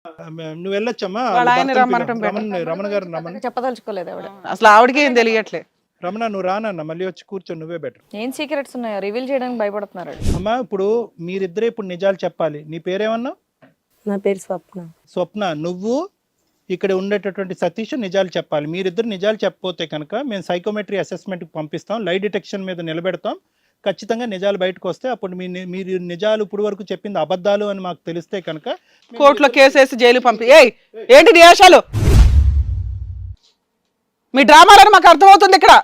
నువ్వు వెళ్ళొచ్చమ్మా. వాళ్ళ ఆయన రమ్మనటం రమణ గారు రమణ చెప్పదలుచుకోలేదు ఆవిడ. అసలు ఆవిడకి ఏం తెలియట్లే. రమణ నువ్వు రానన్న, మళ్ళీ వచ్చి కూర్చొని నువ్వే బెటర్. ఏం సీక్రెట్స్ ఉన్నాయో రివీల్ చేయడానికి భయపడుతున్నారు. అమ్మా ఇప్పుడు మీరిద్దరే ఇప్పుడు నిజాలు చెప్పాలి. నీ పేరేమన్నా? నా పేరు స్వప్న. స్వప్న, నువ్వు ఇక్కడ ఉండేటటువంటి సతీష్ నిజాలు చెప్పాలి. మీరిద్దరు నిజాలు చెప్పకపోతే కనుక మేము సైకోమెట్రీ అసెస్మెంట్కి పంపిస్తాం, లై డిటెక్షన్ మీద నిలబెడతాం. ఖచ్చితంగా నిజాలు బయటకు వస్తే అప్పుడు మీరు నిజాలు ఇప్పుడు వరకు చెప్పింది అబద్ధాలు అని మాకు తెలిస్తే కనుక కోర్టులో కేసేసి జైలు పంపి. ఏయ్ ఏంటి నియాషాలు? మీ డ్రామాలని మాకు అర్థమవుతుంది. ఇక్కడ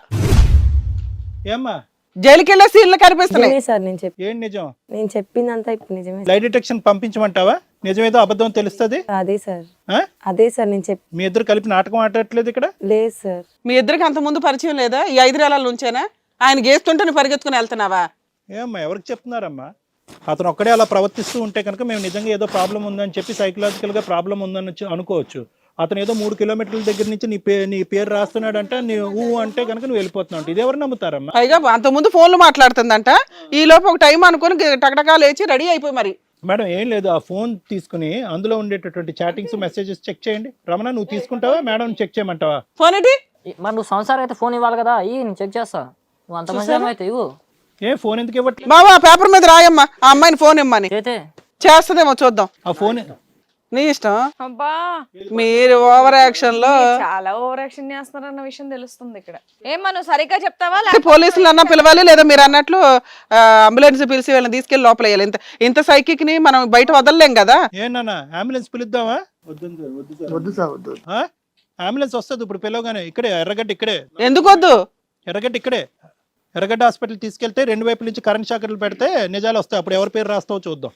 ఏమ్మా జైలుకి వెళ్ళే సీన్లు కనిపిస్తున్నాయి. నిజమే సార్, ఏం నిజం? నేను చెప్పిందంతా ఇప్పుడు నిజమే. లై డిటెక్షన్ పంపించమంటావా? నిజమేదో అబద్ధం తెలుస్తుంది. అదే సార్, ఆ? అదే సార్ నేను మీ ఇద్దరు కలిపి నాటకం ఆడట్లేదు ఇక్కడ? లేదు సార్. మీ ఇద్దరికి అంత ముందు పరిచయం లేదా? ఈ 5 నెలల నుంచేనా ఆయన గేస్తుంటే నువ్వు పరిగెత్తుకుని వెళ్తున్నావా? ఏమ్మా ఎవరికి చెప్తున్నారమ్మా? అతను ఒక్కడే అలా ప్రవర్తిస్తూ ఉంటే కనుక మేము నిజంగా ఏదో ప్రాబ్లం ఉందని చెప్పి సైకలాజికల్గా ప్రాబ్లం ఉందని అనుకోవచ్చు. అతను ఏదో 3 కిలోమీటర్ల దగ్గర నుంచి నీ పేరు రాస్తున్నాడు అంటే నువ్వు అంటే కనుక నువ్వు వెళ్ళిపోతున్నావు. ఇది ఎవరు నమ్ముతారమ్మా? పైగా అంత ముందు ఫోన్లు మాట్లాడుతుందంట. ఈ లోపు ఒక టైం అనుకుని టకటకా లేచి రెడీ అయిపోయి మరి. మేడం ఏం లేదు, ఆ ఫోన్ తీసుకుని అందులో ఉండేటటువంటి చాటింగ్స్ మెసేజెస్ చెక్ చేయండి. రమణ నువ్వు తీసుకుంటావా, మేడం చెక్ చేయమంటావా? ఫోన్ ఏంటి? మరి నువ్వు సంసారం అయితే ఫోన్ ఇవ్వాలి కదా, నేను చెక్ చేస్తా. నువ్వు అంత మంచి అయితే ఇవ్వు. ఏ ఫోన్ ఎందుకు ఇవ్వట్లేదు? బాబా పేపర్ మీద రాయమ్మా ఆ అమ్మాయిని ఫోన్ ఇమ్మని. చేస్తుందేమో చూద్దాం. ఆ ఫోన్ నీ ఇష్టం. అబ్బా మీరు ఓవర్ యాక్షన్ లో చాలా ఓవర్ యాక్షన్ చేస్తున్నారన్న విషయం తెలుస్తుంది ఇక్కడ. ఏమ్మా నువ్వు సరిగ్గా చెప్తావా? పోలీసులు అన్నా పిలవాలి, లేదా మీరు అన్నట్లు అంబులెన్స్ పిలిచి వీళ్ళని తీసుకెళ్లి లోపల వేయాలి. ఇంత సైకిక్ ని మనం బయట వదలలేం కదా. ఏనా అంబులెన్స్ పిలుద్దామా? వద్దు సార్, వద్దు. అంబులెన్స్ వస్తుంది ఇప్పుడు పిలవగానే. ఇక్కడే ఎర్రగడ్డ, ఇక్కడే. ఎందుకు వద్దు? ఎర్రగడ్డ ఇక్కడే. ఎర్రగడ్డ హాస్పిటల్ తీసుకెళ్తే 2 వైపుల నుంచి కరెంట్ షాకర్లు పెడితే నిజాలు వస్తాయి. అప్పుడు ఎవరి పేరు రాస్తావో చూద్దాం.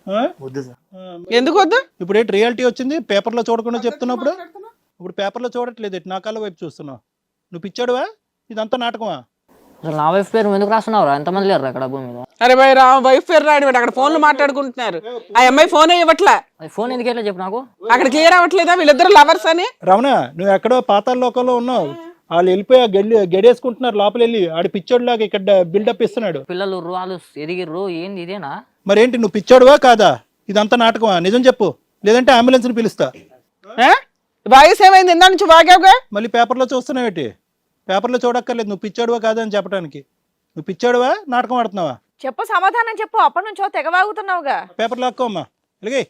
ఎందుకు వద్దు? ఇప్పుడు ఏంటి రియాలిటీ వచ్చింది? పేపర్లో చూడకుండా చెప్తున్నప్పుడు ఇప్పుడు పేపర్లో చూడట్లేదు, నా కాళ్ళ వైపు చూస్తున్నావు. నువ్వు పిచ్చాడువా? ఇదంతా నాటకమా? నా వైఫ్ పేరు ఎందుకు రాస్తున్నావురా? ఎంతమంది లేరు అక్కడ భూమి మీద? అరే భయ్ వైఫ్ పేరు రాడు, అక్కడ ఫోన్లు మాట్లాడుకుంటున్నారు. ఆ అమ్మాయి ఫోనే ఇవ్వట్లే. ఫోన్ ఎందుకు వెళ్ళా చెప్పు నాకు. అక్కడ క్లియర్ అవ్వట్లేదా వీళ్ళిద్దరు లవర్స్ అని? రమణ నువ్వు ఎక్కడో పాతాళ లోకంలో ఉన్నావు. వాళ్ళు వెళ్ళిపోయి గెడేసుకుంటున్నారు లోపల వెళ్ళి. ఆడి పిచ్చోడ్లాగా ఇక్కడ బిల్డప్ ఇస్తున్నాడు. పిల్లలు వాళ్ళు ఎదిగిర్రు. ఏంది ఇదేనా? మరేంటి నువ్వు పిచ్చోడువా కాదా? ఇదంతా నాటకమా? నిజం చెప్పు, లేదంటే అంబులెన్స్ ని పిలుస్తా. వాయిస్ ఏమైంది? ఇందా నుంచి వాగావుగా. మళ్ళీ పేపర్లో చూస్తున్నావేటి? పేపర్లో చూడక్కర్లేదు, నువ్వు పిచ్చాడువా కాదా అని చెప్పడానికి. నువ్వు పిచ్చాడువా, నాటకం ఆడుతున్నావా? చెప్పు, సమాధానం చెప్పు. అప్పటి నుంచో తెగవాగుతున్నావుగా. పేపర్ లాక్కోమ్మా, ఇలాగే.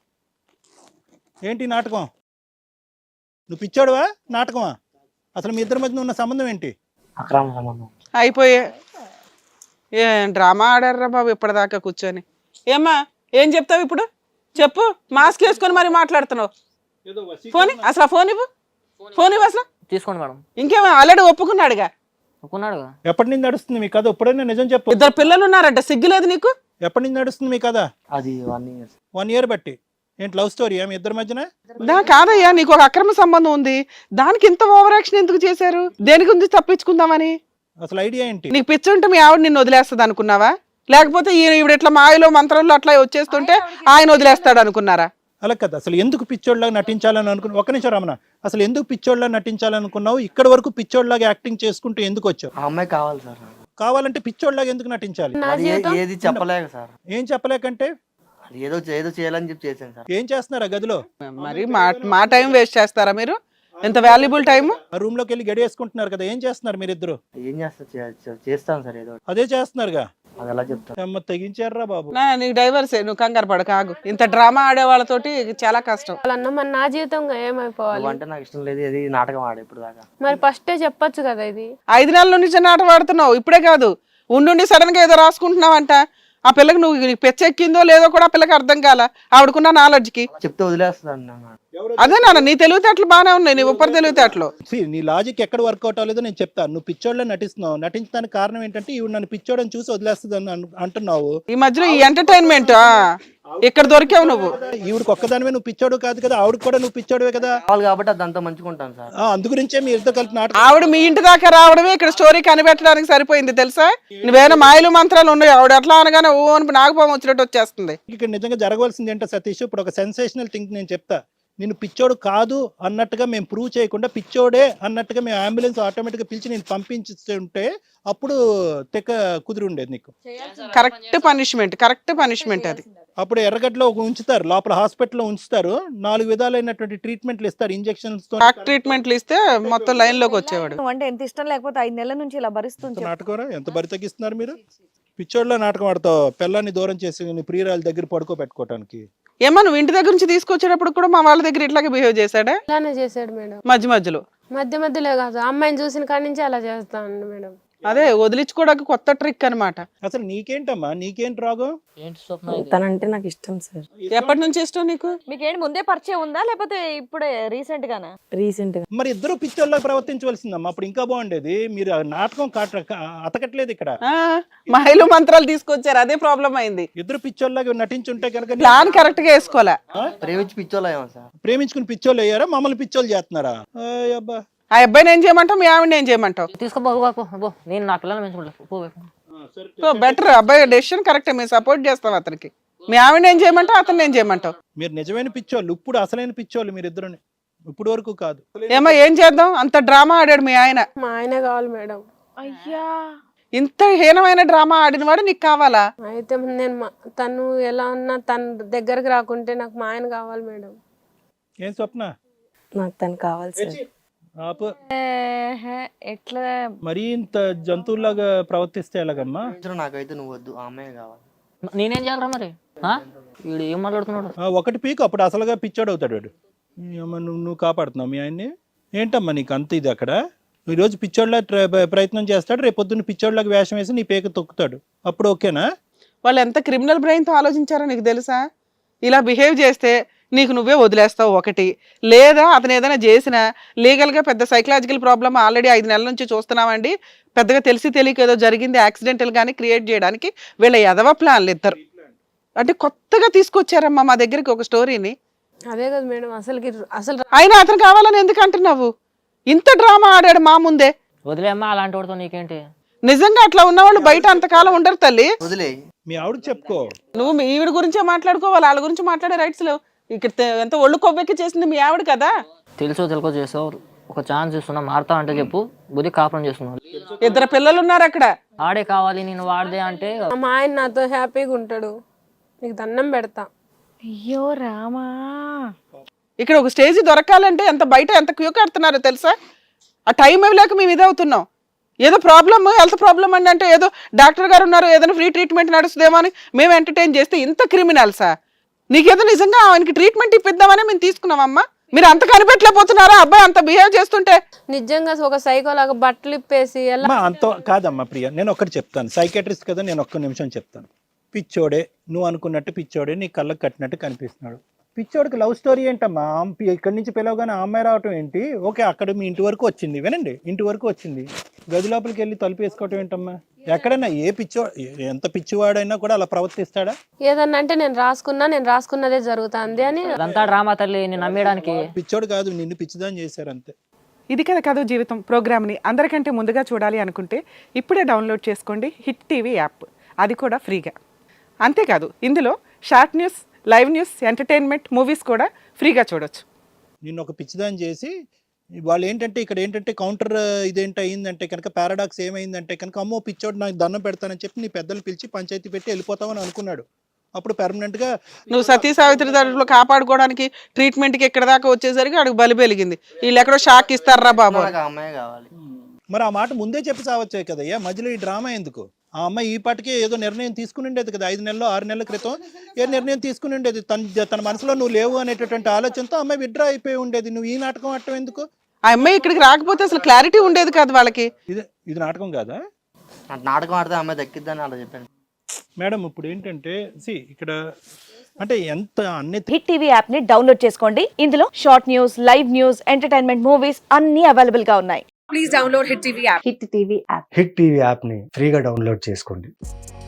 ఏంటి నాటకం? నువ్వు పిచ్చాడువా, నాటకమా? అసలు మీ ఇద్దరి మధ్య ఉన్న సంబంధం ఏంటి? అక్రమ సంబంధం. అయిపోయే ఏం డ్రామా ఆడారా బాబు ఇప్పటిదాకా కూర్చొని. ఏమ్మా ఏం చెప్తావు ఇప్పుడు? చెప్పు. మాస్క్ వేసుకొని మరి మాట్లాడుతున్నావు. ఫోన్ అసలు ఆ ఫోన్ ఇవ్వు. ఫోన్ ఇవ్వు అసలు. తీసుకోండి మేడం. ఇంకేమో ఆల్రెడీ ఒప్పుకున్నాడుగా. ఒప్పుకున్నాడుగా. ఎప్పటి నుంచి నడుస్తుంది మీ కథ? ఎప్పుడైనా నిజం చెప్పు. 2 పిల్లలు ఉన్నారంట, సిగ్గులేదు నీకు? ఎప్పటి నుంచి నడుస్తుంది మీ కథ? అది 1 year. 1 year బట్టి. ఏంటి లవ్ స్టోరీ మీ ఇద్దరి మధ్యన? కాదయ్యా, నీకు ఒక అక్రమ సంబంధం ఉంది, దానికి ఇంత ఓవర్ యాక్షన్ ఎందుకు చేశారు? దేని గురించి తప్పించుకుందామని? అసలు ఐడియా ఏంటి? నీకు పిచ్చి ఉంటే మీ ఆవిడ నిన్ను వదిలేస్తుంది అనుకున్నావా? లేకపోతే ఈవిడ ఇట్లా మాయలో మంత్రంలో అట్లా వచ్చేస్తుంటే ఆయన వదిలేస్తాడు అనుకున్నారా? అలా కదా. అసలు ఎందుకు పిచ్చోడ్లాగా నటించాలని అనుకున్నావు? ఒక్క నిమిషం రమణ, అసలు ఎందుకు పిచ్చోడ్లాగా నటించాలనుకున్నావు? ఇక్కడ వరకు పిచ్చోడ్లాగా యాక్టింగ్ చేసుకుంటూ ఎందుకు వచ్చావు? ఆ అమ్మాయి కావాలి సార్. కావాలంటే పిచ్చోడ్లాగా ఎందుకు నటించాలి? ఏది చెప్పలేక సార్. ఏం చెప్పలేకంటే? ఏదో చేయాలని చెప్పి చేశాను సార్. ఏం చేస్తున్నారు ఆ గదిలో? మరి మా టైం వేస్ట్ చేస్తారా మీరు? ఎంత వాల్యుబుల్ టైం. ఆ రూమ్ లోకి వెళ్ళి గడియేసుకుంటున్నారు కదా, ఏం చేస్తున్నారు మీరిద్దరు? ఏం చేస్తాను సార్, ఏదో అదే చేస్తున్నారుగా. అది ఎలా చెప్తాను? తెగించారా బాబు? నీకు డైవర్సే, నువ్వు కంగారు పడక ఆగు. ఇంత డ్రామా ఆడే వాళ్ళతోటి చాలా కష్టం. వాళ్ళన్న మరి నా జీవితం ఏమైపోవాలి అంటే నాకు ఇష్టం లేదు, ఇది నాటకం ఆడే ఇప్పుడు దాకా. మరి ఫస్టే చెప్పొచ్చు కదా. ఇది 5 నెలల నుంచి నాటకం ఆడుతున్నావు, ఇప్పుడే కాదు. ఉండి సడన్ గా ఏదో రాసుకుంటున్నావంట. ఆ పిల్లకి నువ్వు పెచ్చెక్కిందో లేదో కూడా ఆ పిల్లకి అర్థం కాల, ఆవిడకున్న నాలెడ్జ్కి. చెప్తే వదిలేస్తాను. అదే నాన్న, నీ తెలివితేటలు బాగానే ఉన్నాయి, నీ ఉప్పరి తెలివితేటలు. నీ లాజిక్ ఎక్కడ వర్కౌట్ అవ్వలేదో నేను చెప్తాను. నువ్వు పిచ్చోళ్ళ నటిస్తున్నావు. నటించడానికి కారణం ఏంటంటే ఇవి నన్ను పిచ్చోడని చూసి వదిలేస్తుంది అంటున్నావు. ఈ మధ్యలో ఈ ఎంటర్టైన్మెంట్ ఇక్కడ దొరికావు నువ్వు. ఈవిడికి ఒక్కదానివే నువ్వు పిచ్చోడు కాదు కదా, ఆవిడకి కూడా నువ్వు పిచ్చోడువే కదా. కాబట్టి అదంతా మంచుకుంటాను సార్. అందు గురించే మీ ఇద్దరు కలిపి నాటకం. ఆవిడ మీ ఇంటి దాకా రావడమే ఇక్కడ స్టోరీ కనిపెట్టడానికి సరిపోయింది తెలుసా. నువ్వేనా మాయలు మంత్రాలు ఉన్నాయి. ఆవిడ ఎట్లా అనగానే ఓ అని నాగపాము వచ్చినట్టు వచ్చేస్తుంది. ఇక్కడ నిజంగా జరగవలసింది ఏంటో సతీష్, ఇప్పుడు ఒక సెన్సేషనల్ థింగ్ నేను చెప్తా. నేను పిచ్చోడు కాదు అన్నట్టుగా మేము ప్రూవ్ చేయకుండా పిచ్చోడే అన్నట్టుగా మేము అంబులెన్స్ ఆటోమేటిక్గా పిలిచి నేను పంపించుంటే అప్పుడు తెక్క కుదిరి ఉండేది నీకు. కరెక్ట్ పనిష్మెంట్ అది. అప్పుడు ఎర్రగడ్డలో ఒక ఉంచుతారు, లోపల హాస్పిటల్లో ఉంచుతారు, 4 విధాలైనటువంటి ట్రీట్మెంట్లు ఇస్తారు, ఇంజెక్షన్స్ తో. షాక్ ట్రీట్మెంట్లు ఇస్తే మొత్తం లైన్ లోకి వచ్చేవాడు. నువ్వు అంటే ఎంత ఇష్టం లేకపోతే 5 నెలల నుంచి ఇలా భరిస్తుంది. నాటకరా ఎంత బరి తగ్గిస్తున్నారు మీరు? పిచ్చోళ్ళ నాటకం ఆడతావు, పిల్లాన్ని దూరం చేసి నీ ప్రియురాల దగ్గర పడుకోబెట్టుకోవటానికి. ఏమో నువ్వు ఇంటి దగ్గర నుంచి తీసుకొచ్చేటప్పుడు కూడా మా వాళ్ళ దగ్గర ఇట్లాగే బిహేవ్ చేశాడా? ఇలానే చేశాడు మేడం. మధ్యలో మధ్యలో కాదు, అమ్మాయిని చూసిన కాడి నుంచి అలా చేస్తాను మేడం. అదే వదిలించుకోవడానికి కొత్త ట్రిక్ అన్నమాట. అసలు నీకేంటమ్మా, నీకేంటి రాగం? ఏంటి స్వప్న ఇది? తనంటే నాకు ఇష్టం సార్. ఎప్పటి నుంచి ఇష్టం నీకు? మీకేంటి ముందే పరిచయం ఉందా లేకపోతే ఇప్పుడే రీసెంట్ గానా? రీసెంట్ గా. మరి ఇద్దరు పిచ్చోళ్ళకి ప్రవర్తించవలసిందమ్మా, అప్పుడు ఇంకా బాగుండేది. మీరు ఆ నాటకం అతకట్లేదు ఇక్కడ. మహిళ మంత్రాలు తీసుకొచ్చారు, అదే ప్రాబ్లం అయింది. ఇద్దరు పిచ్చోళ్ళగా నటించుంటే కనుక ప్లాన్ కరెక్ట్ గా వేసుకోలే. ప్రేమించి పిచ్చోళ్ళేమో సార్. ప్రేమించుకుని పిచ్చోళ్ళు అయ్యారా, మమ్మల్ని పిచ్చోళ్ళు చేస్తున్నారా? అబ్బా ఆ అబ్బాయిని ఏం చేయమంటావు, మీ ఆవిడని ఏం చేయమంటావు? తీసుకోబో నేను నా పిల్లల్ని పెంచుకుంటా. సో బెటర్, అబ్బాయి డెసిషన్ కరెక్టే, మేము సపోర్ట్ చేస్తాం అతనికి. మీ ఆవిడని ఏం చేయమంటావు, అతన్ని ఏం చేయమంటావు? మీరు నిజమైన పిచ్చోళ్ళు, ఇప్పుడు అసలైన పిచ్చోళ్ళు మీరు ఇద్దరుని, ఇప్పుడు వరకు కాదు. ఏమో ఏం చేద్దాం, అంత డ్రామా ఆడాడు మీ ఆయన. మా ఆయన కావాలి మేడం. అయ్యా, ఇంత హీనమైన డ్రామా ఆడిన వాడు నీకు కావాలా? అయితే నేను తను ఎలా ఉన్నా తన దగ్గరకు రాకుంటే నాకు మా ఆయన కావాలి మేడం. ఏం స్వప్న? నాకు తను కావాలి సార్. ఆపు. ఎట్లా మరీ ఇంత జంతువులాగా ప్రవర్తిస్తే ఎలాగమ్మా? నాకైతే నువ్వు వద్దు, ఆ అమ్మాయి కావాలి. నేనేం చేయాలరా మరి? వీడు ఏం మాట్లాడుతున్నాడు? ఒకటి పీకు, అప్పుడు అసలుగా పిచ్చోడు అవుతాడు వాడు. ఏమ్మా నువ్వు కాపాడుతున్నావు మీ ఆయన్ని? ఏంటమ్మా నీకు అంత ఇది? అక్కడ ఈరోజు పిచ్చోళ్ళ ప్రయత్నం చేస్తాడు, రేపు పొద్దున్న పిచ్చోళ్ళకి వేషం వేసి నీ పేక తొక్కుతాడు, అప్పుడు ఓకేనా? వాళ్ళు ఎంత క్రిమినల్ బ్రెయిన్తో ఆలోచించారో నీకు తెలుసా? ఇలా బిహేవ్ చేస్తే నీకు నువ్వే వదిలేస్తావు ఒకటి, లేదా అతను ఏదైనా చేసినా లీగల్గా పెద్ద సైకలాజికల్ ప్రాబ్లమ్ ఆల్రెడీ 5 నెలల నుంచి చూస్తున్నామండి. పెద్దగా తెలిసి తెలియక ఏదో జరిగింది యాక్సిడెంటల్ గానీ క్రియేట్ చేయడానికి వీళ్ళ ఎదవ ప్లాన్లు ఇద్దరు. అంటే కొత్తగా తీసుకొచ్చారమ్మా మా దగ్గరికి ఒక స్టోరీని. అదే కదా మేడం, అసలు అయినా అతను కావాలని ఎందుకు అంటున్నావు? ఇంత డ్రామా ఆడాడు మా ముందే. వదిలేమ్మా, అలాంటి వాడితో నీకేంటి? నిజంగా అట్లా ఉన్నవాళ్ళు బయట అంతకాలం ఉండరు తల్లి. వదిలే. మీ ఆవిడకి చెప్పుకో. నువ్వు మీ ఈవిడ గురించే మాట్లాడుకోవాలి, వాళ్ళ గురించి మాట్లాడే రైట్స్ లేవు. ఇక్కడ ఎంత ఒళ్ళు కొవ్వెక్కి చేసింది మీ ఆవిడ కదా. తెలుసో చేసావు, ఒక ఛాన్స్ ఇస్తున్నా, మారుతా అంటే చెప్పు, బుద్ధి కాపురం చేస్తున్నావు. 2 పిల్లలు ఉన్నారు అక్కడ. ఆడే కావాలి నేను వాడదే అంటే మా ఆయన నాతో హ్యాపీగా ఉంటాడు, నీకు దండం పెడతా. అయ్యో రామా, ఇక్కడ ఒక స్టేజ్ దొరకాలంటే బయట ఎంత క్యూ కడుతున్నారో తెలుసా? ఆ టైం ఇవ్వలేక మేము ఇదవుతున్నాం. ఏదో ప్రాబ్లమ్, హెల్త్ ప్రాబ్లమ్ అంటే ఏదో డాక్టర్ గారు ఉన్నారు, ఏదైనా ఫ్రీ ట్రీట్మెంట్ నడుస్తుందేమో అని మేము ఎంటర్టైన్ చేస్తే ఇంత క్రిమినల్సా? నీకేదో నిజంగా ఆయనకి ట్రీట్మెంట్ ఇప్పిద్దామని మేము తీసుకున్నామమ్మా. మీరు అంత కనిపెట్టలేకపోతున్నారా అబ్బాయి అంత బిహేవ్ చేస్తుంటే? నిజంగా ఒక సైకోలాగా బట్టలు ఇప్పేసి ఎలా? అంత కాదమ్మా ప్రియ, నేను ఒక్కటి చెప్తాను, సైకాట్రిస్ట్ కదా, నేను ఒక్క నిమిషం చెప్తాను. పిచ్చోడే, నువ్వు అనుకున్నట్టు పిచ్చోడే, నీ కళ్ళకు కట్టినట్టు కనిపిస్తున్నాడు. పిచ్చోడికి లవ్ స్టోరీ ఏంటమ్మా? ఇక్కడి నుంచి పిలవగానే ఆ అమ్మాయి రావటం ఏంటి? ఓకే, అక్కడ మీ ఇంటి వరకు వచ్చింది, వినండి, ఇంటి వరకు వచ్చింది, గది లోపలికి వెళ్ళి తలుపు వేసుకోవటం ఏంటమ్మా? ఎక్కడైనా ఏ ఎంత పిచ్చివాడైనా కూడా అలా ప్రవర్తిస్తాడా? ఏదన్నా అంటే నేను రాసుకున్నదే జరుగుతుంది అని. అదంతా డ్రామా తల్లి, నేను నమ్మేయడానికి. పిచ్చోడు కాదు, నిన్ను పిచ్చిదాన్ని చేశారు అంతే. ఇది కదా కథ జీవితం ప్రోగ్రామ్ని అందరికంటే ముందుగా చూడాలి అనుకుంటే ఇప్పుడే డౌన్లోడ్ చేసుకోండి హిట్ టీవీ యాప్, అది కూడా ఫ్రీగా. అంతేకాదు ఇందులో short news, live news, entertainment, movies కూడా ఫ్రీగా చూడొచ్చు. నిన్ను ఒక పిచ్చిదాన్ని చేసి వాళ్ళు ఏంటంటే ఇక్కడ ఏంటంటే కౌంటర్ ఇదేంటి అయిందంటే కనుక, పారాడాక్స్ ఏమైందంటే కనుక, అమ్మో పిచ్చోడు నాకు దండం పెడతానని చెప్పి నీ పెద్దలు పిలిచి పంచాయతీ పెట్టి వెళ్ళిపోతామని అనుకున్నాడు. అప్పుడు పెర్మనెంట్ గా నువ్వు సతీ సావిత్రి దాంట్లో కాపాడుకోవడానికి ట్రీట్మెంట్కి ఎక్కడ దాకా వచ్చేసరికి అడుగు బలి పెరిగింది. వీళ్ళు ఎక్కడో షాక్ ఇస్తారా బాబు? నాకు ఆ అమ్మాయి కావాలి. మరి ఆ మాట ముందే చెప్పి సావచ్చే కదయ్యా, మధ్యలో ఈ డ్రామా ఎందుకు? ఆ అమ్మాయి ఈ పాటికే ఏదో నిర్ణయం తీసుకుని ఉండేది కదా, 5 నెలలు 6 నెలల క్రితం ఏ నిర్ణయం తీసుకుని ఉండేది. తన మనసులో నువ్వు లేవు అనేటటువంటి ఆలోచనతో అమ్మాయి విత్డ్రా అయిపోయి ఉండేది. నువ్వు ఈ నాటకం ఆడటం ఎందుకు? ఆ అమ్మాయి ఇక్కడికి రాకపోతే అసలు క్లారిటీ ఉండేది కాదు వాళ్ళకి. ఇది నాటకం కాదా? నాటకం ఆడితే అమ్మాయి దక్కిద్దని అలా చెప్పాను మేడం. ఇప్పుడు ఏంటంటే ఇక్కడ అంటే ఎంత అన్ని హిట్ టీవీ యాప్ ని డౌన్లోడ్ చేసుకోండి. ఇందులో short news, live news, entertainment, movies అన్ని అవైలబుల్ గా ఉన్నాయి. Please download hit TV app. Hit TV యాప్ని ఫ్రీగా డౌన్లోడ్ చేసుకోండి.